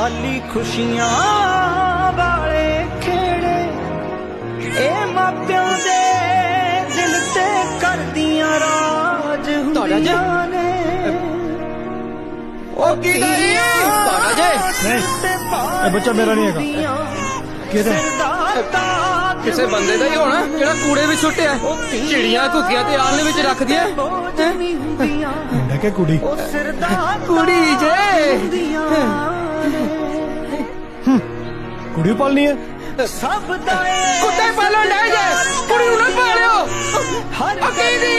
खाली खुशियां वाले खेड़े ए मापियों दे दिल ते कर दियां राज हुंदियां ने ओ बच्चा मेरा नहीं है किसे बंदे दा ही होना जेड़ा कूड़े विच सुट्टिया चिड़ियां घुगियां ते आलने विच रख दिया मुंडा के कुड़ी कुड़ी जे कुड़ी पालनी है सब कुत्ते पालो ले जे कुड़ी नु ना पालियो अकी दी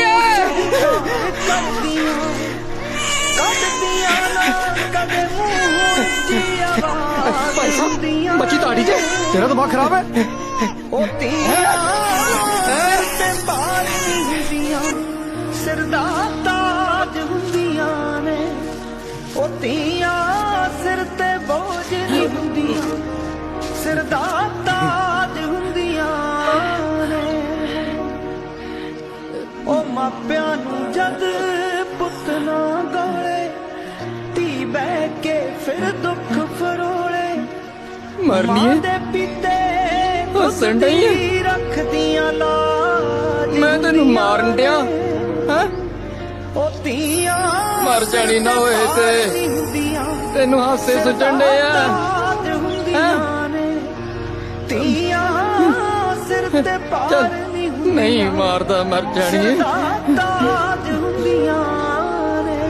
बच्ची ताड़ी जे तेरा दिमाग खराब है सिर दा ताज हुंदियां ने ओ धीआं सिर ते बोझ नहीं हुंदियां सिर दा ताज हुंदियां ने ओ मापियां नू जद पुत ना गाले धी बह के फिर दुख फरोले मरनी है दे पीते हसन डई रख दियां लाज मैं तेनू मारन दिया हैं ओ धीआं मर जानी ना होए ते तेनू हासे सुटन डे धीआं सिर ते पार नहीं मारदा मर जानी है ताज हुंदियां ने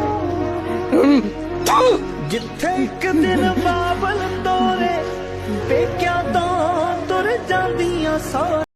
जिथे एक दिन बाबल तोरे पेकियां तो तुर जांदियां सौ